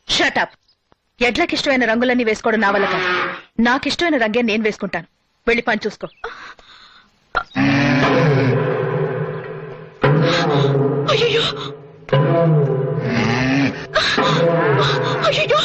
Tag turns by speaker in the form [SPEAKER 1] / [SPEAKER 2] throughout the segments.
[SPEAKER 1] Shut up. ఎడ్లకిష్టమైన రంగులన్నీ వేసుకోవడం నా వల్ల కాదు. నాకిష్టమైన రంగే నేను వేసుకుంటాను. వెళ్ళి పని చూసుకో. అయ్యో అయ్యో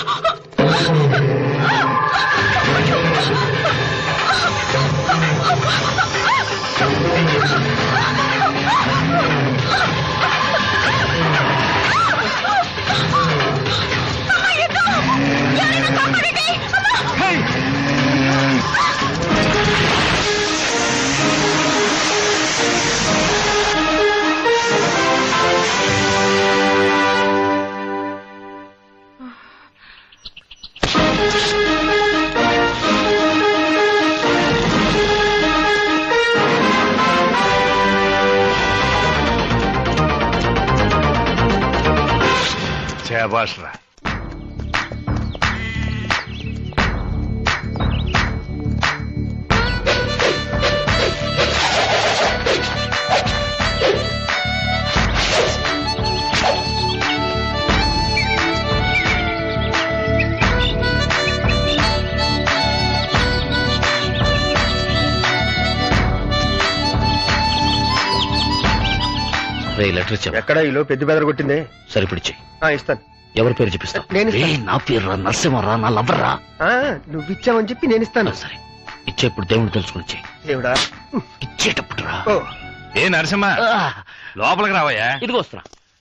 [SPEAKER 2] శాబాష్రా.
[SPEAKER 3] లెటర్ ఇచ్చా.
[SPEAKER 4] ఎక్కడ ఈలో పెద్ద బెదర కొట్టింది?
[SPEAKER 3] సరిపిడిచి
[SPEAKER 4] ఇస్తాను.
[SPEAKER 3] ఎవరి పేరు చెప్పిస్తా? నా పేరు రా, నరసింహరా, నా లవ్వరా.
[SPEAKER 4] నువ్వు ఇచ్చావని చెప్పి నేను ఇస్తాను.
[SPEAKER 3] సరే ఇచ్చేప్పుడు దేవుడు తెలుసుకుని
[SPEAKER 4] దేవుడా
[SPEAKER 3] ఇచ్చేటప్పుడు రా.
[SPEAKER 2] ఏ నరసింహ, లోపలికి రావయ్యా.
[SPEAKER 3] ఇదిగో వస్తున్నా.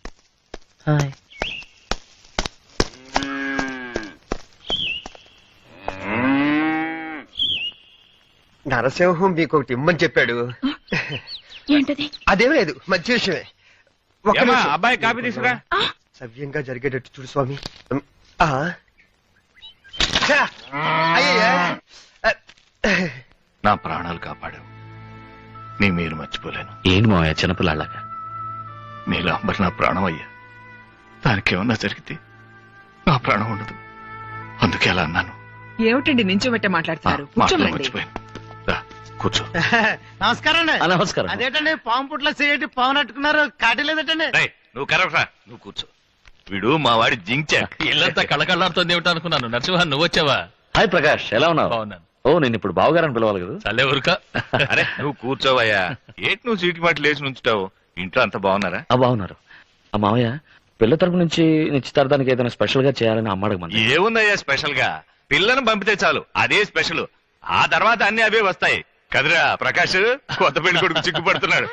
[SPEAKER 4] నరసింహం మీకు ఒకటి ఇమ్మని చెప్పాడు.
[SPEAKER 1] ఏంటది?
[SPEAKER 4] అదేం లేదు, మంచి విషయమే.
[SPEAKER 2] అబ్బాయి కాపీ తీసుకురా.
[SPEAKER 4] సవ్యంగా జరిగేటట్టు చూడు స్వామి. అయ్యయ్యా,
[SPEAKER 2] నా ప్రాణాలు కాపాడావు. నీ మీరు మర్చిపోలేను.
[SPEAKER 3] ఏంటి మావయ్య చిన్నపిల్లలాగా?
[SPEAKER 2] నీలాంబర్ నా ప్రాణం అయ్యా. దానికేమన్నా జరిగితే నా ప్రాణం ఉండదు. అందుకే అలా అన్నాను.
[SPEAKER 1] ఏమిటండి నించోబెట్టే మాట్లాడుతున్నారు?
[SPEAKER 2] మర్చిపోయాను. కూర్చో.
[SPEAKER 4] నమస్కారం.
[SPEAKER 3] నమస్కారం.
[SPEAKER 4] అదేటండి పాము పుట్ల సిగరెట్ పాము నట్టుకున్నారు, కాటి లేదటండి.
[SPEAKER 2] నువ్వు కరెక్ట్ రా, నువ్వు కూర్చో. వీడు మా వాడి జించాక్.
[SPEAKER 3] ఇల్లంతా కళకళలాడుతోంది ఏమిటో అనుకున్నాను. నరసింహ నువ్వు వచ్చావా? హాయ్ ప్రకాష్, ఎలా ఉన్నావు?
[SPEAKER 2] బాగున్నాను.
[SPEAKER 3] ఓ నేను ఇప్పుడు బావగారని పిలవాలి కదా?
[SPEAKER 2] చల్లే ఊరుక. అరే నువ్వు కూర్చోవయ్యా. ఏంటి నువ్వు సీటు మాట లేచి నుంచుతావు? ఇంట్లో అంతా బాగున్నారా?
[SPEAKER 3] బాగున్నారు. ఆ మావయ్య పిల్ల తరపు నుంచి నిశ్చితార్థానికి ఏదైనా స్పెషల్ గా చేయాలని అమ్మాడమంది.
[SPEAKER 2] ఏముందయ్యా స్పెషల్ గా? పిల్లను పంపితే చాలు, అదే స్పెషల్. ఆ తర్వాత అన్ని అవే వస్తాయి కదరా ప్రకాష్. కొత్త పెళ్లి కొడుకు చిక్కుపడుతున్నాడు.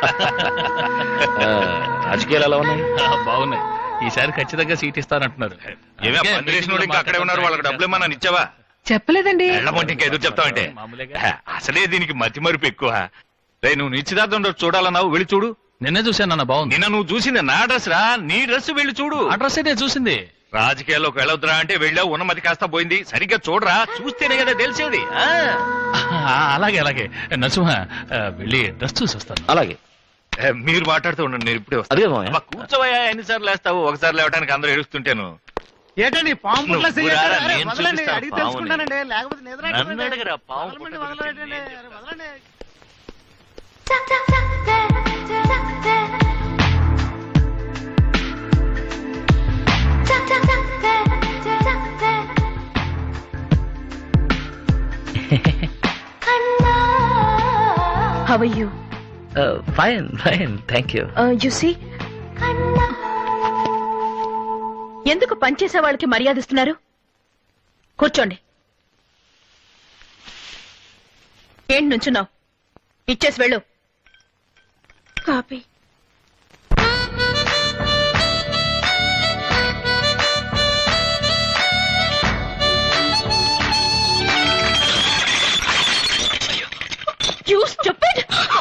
[SPEAKER 3] రాజకీయాలు ఎలా ఉన్నాయి?
[SPEAKER 5] బాగున్నాయి. ఈసారి ఖచ్చితంగా సీట్ ఇస్తానంటున్నారు.
[SPEAKER 2] ఏమే పందిరేసిన ఇంకా అక్కడే ఉన్నారు. వాళ్ళకి డబ్బులు ఏమన్నా ఇచ్చావా?
[SPEAKER 1] చెప్పలేదండి.
[SPEAKER 2] ఎళ్ళమంటే ఇంకా ఎదురు చెప్తావంటే? అసలే దీనికి మతి మరుపు ఎక్కువ. నువ్వు నిశ్చితార్థం చూడాలన్నావు, వెళ్ళి చూడు.
[SPEAKER 5] నిన్నే చూశాను అన్న. బాగుంది.
[SPEAKER 2] నిన్న నువ్వు చూసింది నా డ్రెస్ రా, నీ డ్రెస్ వెళ్ళి చూడు.
[SPEAKER 5] ఆ డ్రెస్ అయితే చూసింది.
[SPEAKER 2] రాజకీయాల్లోకి వెళ్ళొద్దురా అంటే వెళ్ళావు, ఉన్నమతి కాస్త పోయింది. సరిగ్గా చూడరా, చూస్తేనే కదా తెలిసేది.
[SPEAKER 5] అలాగే అలాగే నరసింహ, వెళ్ళి డ్రెస్ చూసి వస్తాను.
[SPEAKER 3] అలాగే
[SPEAKER 2] మీరు మాట్లాడుతూ ఉండండి, నేను ఇప్పుడే
[SPEAKER 3] అదే
[SPEAKER 2] వస్తాను. కూర్చోవయ్యా, ఎన్నిసార్లు లేస్తావు? ఒకసారి లేవడానికి అందరూ ఏడుస్తుంటాను.
[SPEAKER 4] ఏంటండి పాము పుట్ల
[SPEAKER 2] నువ్వు
[SPEAKER 4] సిగరెట్?
[SPEAKER 2] రారా,
[SPEAKER 4] అరే,
[SPEAKER 2] నేను
[SPEAKER 4] వదలండి,
[SPEAKER 2] చూపిస్తాను
[SPEAKER 4] అడిగి
[SPEAKER 2] పాముని.
[SPEAKER 4] తెలుసుకుంటానండి. లేకపోతే నిద్ర
[SPEAKER 2] నన్ను అడగరా, పాము
[SPEAKER 4] వదలండి,
[SPEAKER 2] పుట్ల
[SPEAKER 4] వదలండి,
[SPEAKER 2] సిగరెట్.
[SPEAKER 4] అరే, వదలండి.
[SPEAKER 1] How are you?
[SPEAKER 3] Fine fine thank you.
[SPEAKER 1] You see? ఎందుకు పనిచేసే వాళ్ళకి మర్యాద ఇస్తున్నారు? కూర్చోండి. ఏంటి నుంచున్నావు? ఇచ్చేసి వెళ్ళు. కాపీ. You stupid!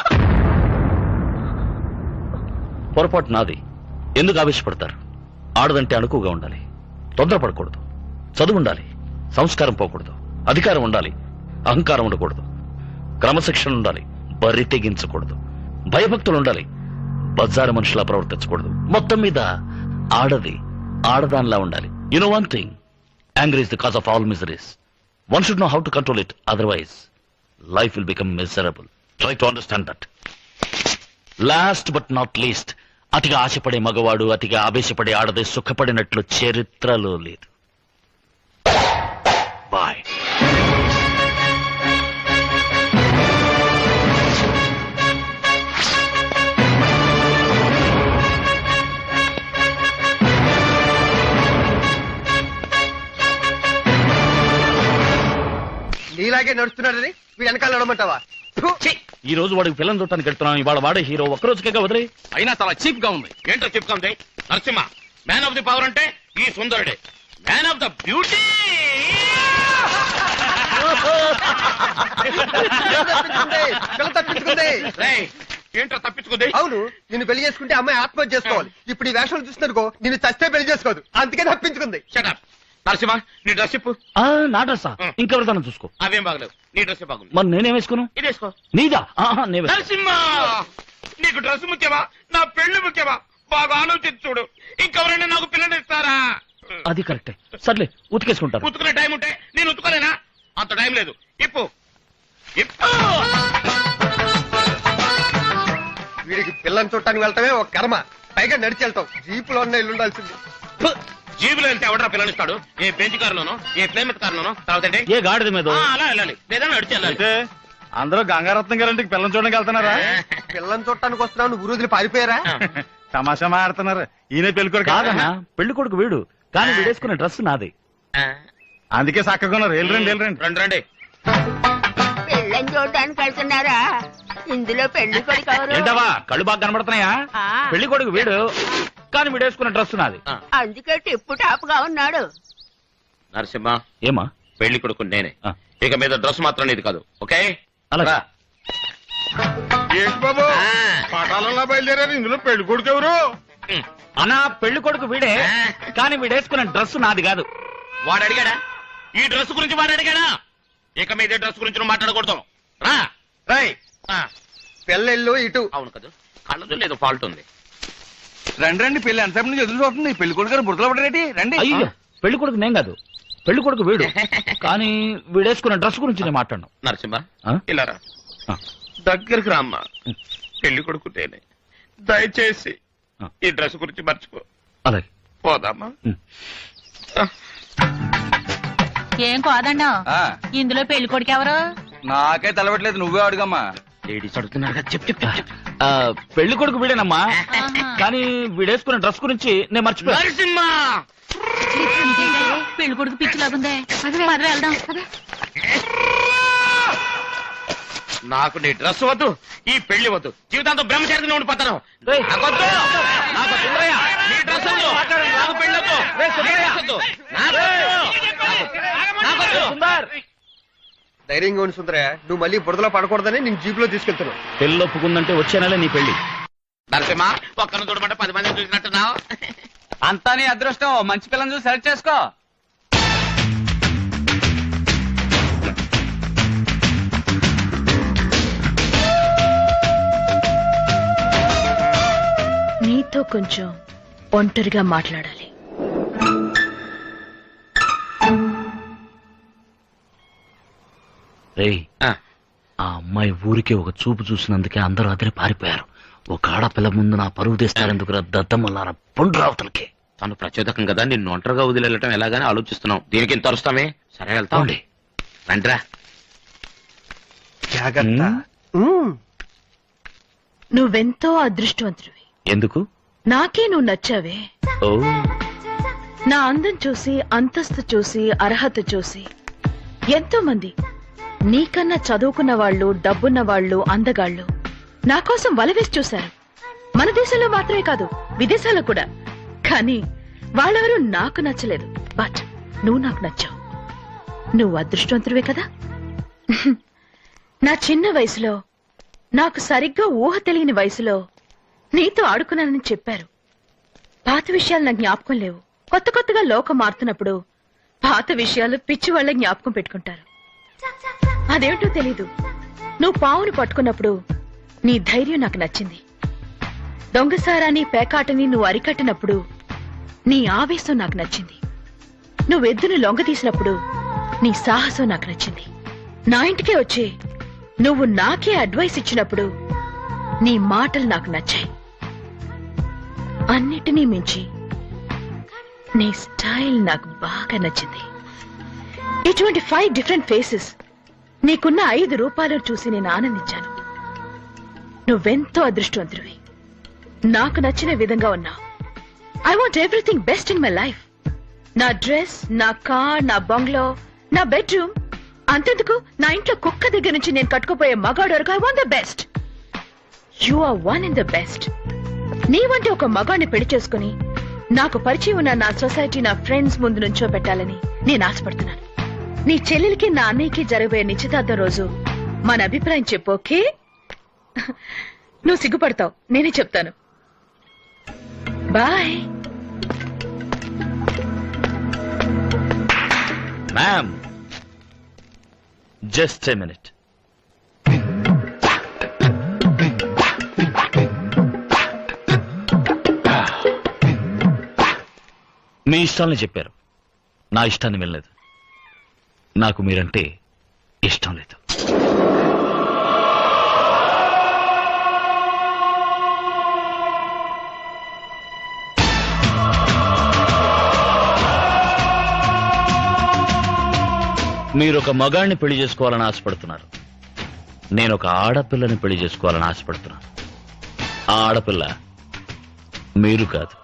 [SPEAKER 3] పొరపాటు నాది. ఎందుకు ఆవేశపడతారు? ఆడదంటే అణుకుగా ఉండాలి, తొందరపడకూడదు, చదువు ఉండాలి, సంస్కారం పోకూడదు, అధికారం ఉండాలి, అహంకారం ఉండకూడదు, క్రమశిక్షణ ఉండాలి, బరి తెగించకూడదు, భయభక్తులు ఉండాలి, బజారు మనుషులా ప్రవర్తించకూడదు. మొత్తం మీద ఆడది ఆడదానిలా ఉండాలి. You know one thing, anger is the cause of all miseries. One should know how to control it, otherwise life will become miserable. Try to understand that. Last but not least, అతిగా ఆశపడే మగవాడు, అతిగా ఆవేశపడే ఆడది సుఖపడినట్లు చరిత్రలో లేదు. Bye.
[SPEAKER 4] నీలాగే నడుస్తున్నాడని వీడు వెనకాల నడమంటావా?
[SPEAKER 3] ఈ రోజు వాడికి పిల్లలు చూడటానికి వెళ్తున్నాం. ఇవాళ వాడే హీరో. ఒక్కరోజుకే వదిలే.
[SPEAKER 6] అయినా చాలా చీప్ గా ఉంది. ఏంటో చీప్ గా ఉంది? Narasimha man of the power అంటే ఈ సుందరుడే. మ్యాన్ ఆఫ్ ద బ్యూటీ
[SPEAKER 4] తప్పించుకుంది.
[SPEAKER 6] ఏంటో తప్పించుకుంది.
[SPEAKER 4] అవును, నిన్ను పెళ్లి చేసుకుంటే అమ్మాయి ఆత్మహత్య చేసుకోవాలి. ఇప్పుడు ఈ వేషాలు చూస్తున్నారుకో నిన్ను చస్తే పెళ్లి చేసుకోదు, అందుకే తప్పించుకుంది.
[SPEAKER 6] షటప్. నరసింహ నీ డ్రెస్ చెప్పు.
[SPEAKER 3] నా డ్రెస్సా? ఇంకెవరిదాన్ని చూసుకో.
[SPEAKER 6] అవేం బాగలేవు, నీ డ్రెస్ బాగుంది.
[SPEAKER 3] మరి నేనేం వేసుకున్నాను?
[SPEAKER 6] ఇది వేసుకో.
[SPEAKER 3] నీదా? నే వేసుకో.
[SPEAKER 6] నరసింహ నీకు డ్రెస్ ముఖ్యమా నా పెళ్లి ముఖ్యమా? బాగా ఆలోచించి చూడు. ఇంకెవరైనా నాకు పిల్లలు ఇస్తారా?
[SPEAKER 3] అది కరెక్టే. సర్లే, ఉతికేసుకుంటారు.
[SPEAKER 6] ఉతుకునే టైం ఉంటే నేను ఉతుకోలేనా? అంత టైం లేదు. ఇప్పు
[SPEAKER 4] వీడికి పిల్లని చుట్టానికి వెళ్తామే ఒక కర్మ, పైగా నడిచి వెళ్తాం. జీపులో ఉన్న ఇల్లు ఉండాల్సింది.
[SPEAKER 6] జీబులో వెళ్తే ఎవడరా పిల్లనిస్తాడు? ఏ బెంచ్ కారులోనో ఏ ప్లేమెట్ కారులోనో తర్వాత
[SPEAKER 3] ఏ గాడిద మీద
[SPEAKER 6] అలా వెళ్ళాలి, లేదా నడిచి వెళ్ళాలి.
[SPEAKER 7] అందరూ గంగారత్నం గారింటికి పిల్లలు చూడడానికి వెళ్తున్నారా?
[SPEAKER 4] పిల్లని చుట్టానికి వస్తున్నావు, నువ్వు రోజులు పారిపోయారా?
[SPEAKER 7] తమాషా మాడుతున్నారు. ఈయన పెళ్ళికొడుకు
[SPEAKER 3] కాదన్నా, పెళ్లి కొడుకు వీడు. కానీ వీడేసుకునే డ్రెస్ నాది.
[SPEAKER 7] అందుకే చక్కగా ఉన్నారు. వెళ్ళరండి వెళ్ళరండి.
[SPEAKER 6] రండి రండి.
[SPEAKER 8] పెళ్ళని చూడడానికి వెళ్తున్నారా? ఇందులో పెళ్లి కొడుకు ఎవరు?
[SPEAKER 3] ఏంటవా కళ్ళు బాగా కనబడుతున్నాయా?
[SPEAKER 8] ఆ.
[SPEAKER 3] పెళ్లి కొడుకు వీడు. కానీ వీడేసుకునే డ్రెస్ నాది.
[SPEAKER 8] అందుకే టిప్పు టాప్ గా ఉన్నాడు.
[SPEAKER 6] నరసింహ
[SPEAKER 3] ఏమా?
[SPEAKER 6] పెళ్లి కొడుకు నేనే.
[SPEAKER 3] ఆ.
[SPEAKER 6] ఇక మీద డ్రెస్ మాత్రం నీది కాదు. ఓకే?
[SPEAKER 3] అలాగే.
[SPEAKER 7] ఏంటి బాబు పటాలలో బయలుదేరారు. ఇందులో పెళ్లి కొడుకు ఎవరు?
[SPEAKER 3] అన్నా, పెళ్లి కొడుకు వీడే. కానీ వీడేసుకునే డ్రెస్ నాది కాదు.
[SPEAKER 6] వాడు అడిగాడా? ఈ డ్రెస్ గురించి వాడు అడిగాడా? ఇక మీద డ్రెస్ గురించి నువ్వు మాట్లాడకూడదు. రా.
[SPEAKER 4] రై
[SPEAKER 6] ఆ,
[SPEAKER 4] పిల్లలు ఇటు.
[SPEAKER 6] అవును కదా, కళ్ళదు లేదు ఫాల్ట్ ఉంది.
[SPEAKER 7] రండి రండి. పెళ్లి ఎంతసేపు నుంచి ఎదురు చూస్తుంది. పెళ్లి కొడుకు గారు బుర్రలో పడరేటి? రండి.
[SPEAKER 3] అయ్యో, పెళ్లి కొడుకు నేను కాదు. పెళ్లి కొడుకు వీడు. కానీ వీడేసుకునే డ్రెస్ గురించి నేను మాట్లాడను.
[SPEAKER 6] నరసింహ
[SPEAKER 3] ఆ?
[SPEAKER 6] ఇలా రా.
[SPEAKER 3] ఆ.
[SPEAKER 6] దగ్గరికి రామ్మా. పెళ్లి కొడుకు నేనే. దయచేసి
[SPEAKER 3] ఆ.
[SPEAKER 6] ఈ డ్రెస్ గురించి మర్చిపో.
[SPEAKER 3] అలాగే.
[SPEAKER 6] పోదామా?
[SPEAKER 8] ఏం కాదన్నా,
[SPEAKER 7] ఆ,
[SPEAKER 8] ఇందులో పెళ్లి కొడుకు ఎవరు?
[SPEAKER 7] నాకే తెలవట్లేదు. నువ్వే అడుగమ్మా.
[SPEAKER 6] లేడీస్ అడుగుతున్నారు కదా, చెప్పు చెప్పు చెప్పు.
[SPEAKER 3] పెళ్లి కొడుకు వీడేనమ్మా. కానీ వీడేసుకునే డ్రెస్ గురించి నేను మర్చిపోయాను.
[SPEAKER 6] నరసింహ
[SPEAKER 8] పెళ్లి కొడుకు పిచ్చి లాగుందే. పద వెళ్దాం.
[SPEAKER 6] నాకు నీ డ్రెస్ వద్దు, ఈ పెళ్లి వద్దు. జీవితాంతం బ్రహ్మచారిగా ఉండిపోతాను.
[SPEAKER 3] ఏయ్.
[SPEAKER 6] నాకొద్దు. నాకు సుందరయ్య, నీ డ్రెస్ వద్దు. నాకు పెళ్లి వద్దు.
[SPEAKER 3] సుందరయ్య.
[SPEAKER 6] వద్దు. నాకొద్దు.
[SPEAKER 3] సుందర్,
[SPEAKER 4] ధైర్యంగా ఉండి సుందరయ్య, నువ్వు మళ్ళీ బురదలో పడకూడదని నేను జీపులో తీసుకెళ్తున్నావు.
[SPEAKER 3] పెళ్లి ఒప్పుకుందంటే వచ్చే నెల నీ పెళ్లి.
[SPEAKER 6] నరసింహ ఒక్కరిని చూడమంటే 10 మందిని చూసినట్టున్నావు.
[SPEAKER 7] అంతా నీ అదృష్టం. మంచి పిల్లని చూసి సెలెక్ట్ చేసుకో.
[SPEAKER 1] నీతో కొంచెం ఒంటరిగా మాట్లాడాలి.
[SPEAKER 3] రేయ్,
[SPEAKER 6] ఆ,
[SPEAKER 3] ఆ అమ్మాయి ఊరికి ఒక చూపు చూసినందుకే అందరూ అదిరి పారిపోయారు. ఒక ఆడపిల్ల ముందు నా పరువు తీస్తారెందుకు? దద్దమ్మలారా పుండ్రావతలకి.
[SPEAKER 6] తను ప్రచోదకం కదా, నిన్ను ఒంటరిగా వదిలేయటం ఎలాగని ఆలోచిస్తున్నావు. దీనికి ఇంత అరుస్తామే? సరే వెళ్తాం.
[SPEAKER 3] పోండి.
[SPEAKER 6] రండిరా.
[SPEAKER 4] జాగ్రత్త.
[SPEAKER 1] నువ్వెంతో అదృష్టవంతుడివి.
[SPEAKER 3] ఎందుకు?
[SPEAKER 1] నాకే నువ్వు నచ్చావే.
[SPEAKER 3] ఓ,
[SPEAKER 1] నా అందం చూసి, అంతస్తు చూసి, అర్హత చూసి ఎంతో మంది నీకన్నా చదువుకున్న వాళ్ళు, డబ్బున్న వాళ్ళు, అందగాళ్ళు నా కోసం వలవేసి చూశారు. మన దేశంలో మాత్రమే కాదు, విదేశాల్లో కూడా. కానీ వాళ్ళెవరూ నాకు నచ్చలేదు. బట్ నువ్వు నాకు నచ్చావు. నువ్వు అదృష్టవంతుడివే కదా. నా చిన్న వయసులో, నాకు సరిగ్గా ఊహ తెలియని వయసులో నీతో ఆడుకున్నానని చెప్పారు. పాత విషయాలు నా జ్ఞాపకం లేవు. కొత్త కొత్తగా లోకం మారుతున్నప్పుడు పాత విషయాలు పిచ్చి వాళ్ళ జ్ఞాపకం పెట్టుకుంటారు. అదేమిటో తెలీదు. నువ్వు పావును పట్టుకున్నప్పుడు నీ ధైర్యం నాకు నచ్చింది. దొంగసారాన్ని, పేకాటని నువ్వు అరికట్టినప్పుడు నీ ఆవేశం నాకు నచ్చింది. నువ్వెద్దును లొంగ తీసినప్పుడు నీ సాహసం నాకు నచ్చింది. నా ఇంటికే వచ్చి నువ్వు నాకే అడ్వైస్ ఇచ్చినప్పుడు నీ మాటలు నాకు నచ్చాయి. అన్నిటినీ మించి నీ స్టైల్ నాకు బాగా నచ్చింది. ఇటువంటి 5 డిఫరెంట్ ఫేసెస్ నీకున్న 5 రూపాయలను చూసి నేను ఆనందించాను. నువ్వెంతో అదృష్టవంతుడివి. నాకు నచ్చిన విధంగా ఉన్నావు. I want everything best in my life. నా డ్రెస్, నా కార్, నా బంగ్లో, నా బెడ్రూమ్, అంతెందుకు నా ఇంట్లో కుక్క దగ్గర నుంచి నేను కట్టుకుపోయే మగాడు వరకు I want the best. You are one in the best. నీ వంటి ఒక మగాడిని పెళ్లి చేసుకుని నాకు పరిచయం ఉన్న నా సొసైటీ, నా ఫ్రెండ్స్ ముందు నుంచో పెట్టాలని నేను ఆశపడుతున్నాను. నీ చెల్లెలికి నా అన్నయ్యకి జరగబోయే నిశ్చితార్థం రోజు మన అభిప్రాయం చెప్పు, ఓకే? నువ్వు సిగ్గుపడతావు, నేనే చెప్తాను. Bye.
[SPEAKER 3] Ma'am, just a minute. మీ ఇష్టాలని చెప్పారు, నా ఇష్టాన్ని వెళ్ళలేదు. నాకు మీరంటే ఇష్టం లేదు. మీరు ఒక మగాడిని పెళ్లి చేసుకోవాలని ఆశపడుతున్నారు. నేను ఒక ఆడపిల్లని పెళ్లి చేసుకోవాలని ఆశపడుతున్నాను. ఆ ఆడపిల్ల మీరు కాదు.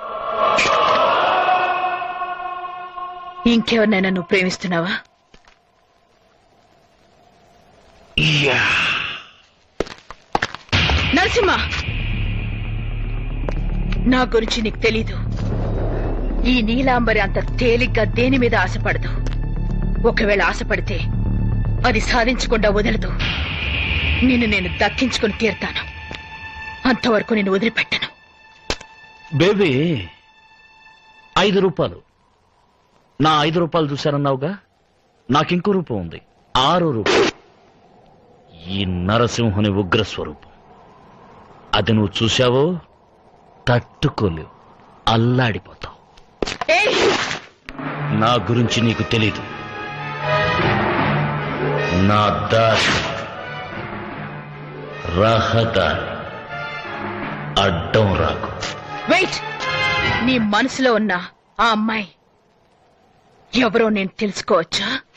[SPEAKER 1] ఇంకెవరినైనా నువ్వు ప్రేమిస్తున్నావా? నరసింహ, నా గురించి నీకు తెలీదు. ఈ నీలాంబరి అంత తేలిగ్గా దేని మీద ఆశపడదు. ఒకవేళ ఆశపడితే అది సాధించకుండా వదలదు. నిన్ను నేను దక్కించుకుని తీరుతాను. అంతవరకు నేను వదిలిపెట్టను.
[SPEAKER 3] బేబీ, 5 రూపాయలు. నా 5 రూపాయలు చూశానన్నావుగా, నాకింకో రూపం ఉంది, 6 రూపాయలు. ఈ నరసింహుని ఉగ్రస్వరూపం. అది నువ్వు చూశావో తట్టుకోలేవు, అల్లాడిపోతావు. నా గురించి నీకు తెలీదు. నా దారి, రహదారి, అడ్డం రాకు.
[SPEAKER 1] వెయిట్. నీ మనసులో ఉన్న ఆ అమ్మాయి ఎవరో నేను తెలుసుకోవచ్చా?